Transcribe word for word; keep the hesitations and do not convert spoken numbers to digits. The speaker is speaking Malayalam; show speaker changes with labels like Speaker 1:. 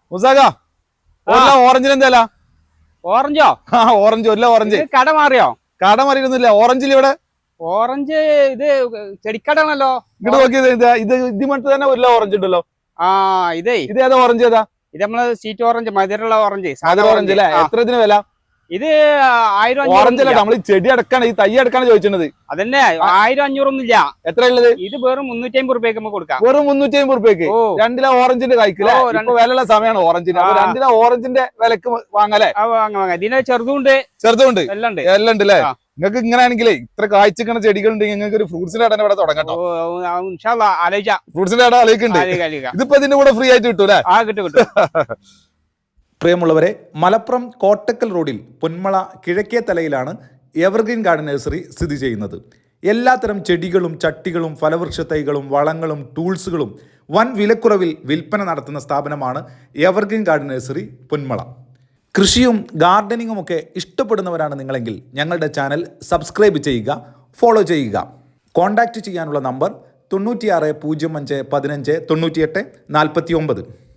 Speaker 1: മുസാക ഓറഞ്ചിന് എന്താ
Speaker 2: ഓറഞ്ചോ?
Speaker 1: ആ ഓറഞ്ച് ഒരു ഓറഞ്ച്
Speaker 2: കട മാറിയോ?
Speaker 1: കട മാറിയിരുന്നില്ല. ഓറഞ്ചിൽ ഇവിടെ
Speaker 2: ഓറഞ്ച് ഇത് ചെടിക്കടാണല്ലോ.
Speaker 1: ഇങ്ങോട്ട് നോക്കിയത് ഇത് ഇത് ഇതിമട്ട് തന്നെ ഒരു ഓറഞ്ച് ഉണ്ടല്ലോ.
Speaker 2: ആ ഇതേ
Speaker 1: ഇത് ഏതാ ഓറഞ്ച് ഏതാ?
Speaker 2: ഇത് നമ്മള് സീറ്റ് ഓറഞ്ച്, മധുരമുള്ള ഓറഞ്ച്.
Speaker 1: സാധാ ഓറഞ്ച് അല്ലേ? എത്ര ഇതിന് വില?
Speaker 2: ഇത് ആയിരം
Speaker 1: ഓറഞ്ച് അല്ല, നമ്മള് ചെടി അടക്കാണ് ഈ തൈ അടക്കാണ് ചോദിച്ചത്.
Speaker 2: അതന്നെ ആയിരം അഞ്ഞൂറൊന്നും ഇല്ല.
Speaker 1: എത്ര ഉള്ളത്?
Speaker 2: ഇത് വെറും മുന്നൂറ്റി അമ്പത് റുപ്യക്ക് നമുക്ക് കൊടുക്കാം.
Speaker 1: വെറും മുന്നൂറ്റി അമ്പത് റുപ്യക്ക് രണ്ടില ഓറഞ്ചിന്റെ കായ്ക്കില്ല. ഇപ്പൊ വിലയുള്ള സമയമാണ് ഓറഞ്ചിന്. അപ്പൊ രണ്ടില ഓറഞ്ചിന്റെ വിലക്ക് വാങ്ങലേ?
Speaker 2: ഇതിനെ ചെറുതുണ്ട്
Speaker 1: ചെറുതുണ്ട്
Speaker 2: എല്ലാം ഉണ്ട്
Speaker 1: എല്ലാം ഉണ്ട് അല്ലേ? നിങ്ങൾക്ക് ഇങ്ങനെ ആണെങ്കിലേ ഇത്ര കായ്ച്ചിക്കണ ചെടികൾ ഉണ്ടെങ്കിൽ നിങ്ങൾക്ക് ഒരു ഫ്രൂട്ട്സിന്റെ കട ഇവിടെ തുടങ്ങട്ടോ. ഫ്രൂട്ട്സിന്റെ കട ആലോചിക്കുന്നുണ്ട്. ഇതിപ്പോ ഇതിന്റെ കൂടെ ഫ്രീ ആയിട്ട് കിട്ടൂലേ?
Speaker 2: ആ കിട്ടും കിട്ടും.
Speaker 3: പ്രിയമുള്ളവരെ, മലപ്പുറം കോട്ടക്കൽ റോഡിൽ പൊന്മള കിഴക്കേ തലയിലാണ് എവർഗ്രീൻ ഗാർഡൻ നഴ്സറി സ്ഥിതി ചെയ്യുന്നത്. എല്ലാത്തരം ചെടികളും ചട്ടികളും ഫലവൃക്ഷ തൈകളും വളങ്ങളും ടൂൾസുകളും വൻ വിലക്കുറവിൽ വിൽപ്പന നടത്തുന്ന സ്ഥാപനമാണ് എവർഗ്രീൻ ഗാർഡൻ നഴ്സറി പൊന്മള. കൃഷിയും ഗാർഡനിങ്ങും ഒക്കെ ഇഷ്ടപ്പെടുന്നവരാണ് നിങ്ങളെങ്കിൽ ഞങ്ങളുടെ ചാനൽ സബ്സ്ക്രൈബ് ചെയ്യുക, ഫോളോ ചെയ്യുക. കോൺടാക്റ്റ് ചെയ്യാനുള്ള നമ്പർ തൊണ്ണൂറ്റിയാറ് പൂജ്യം അഞ്ച് പതിനഞ്ച് തൊണ്ണൂറ്റിയെട്ട് നാൽപ്പത്തി ഒമ്പത്.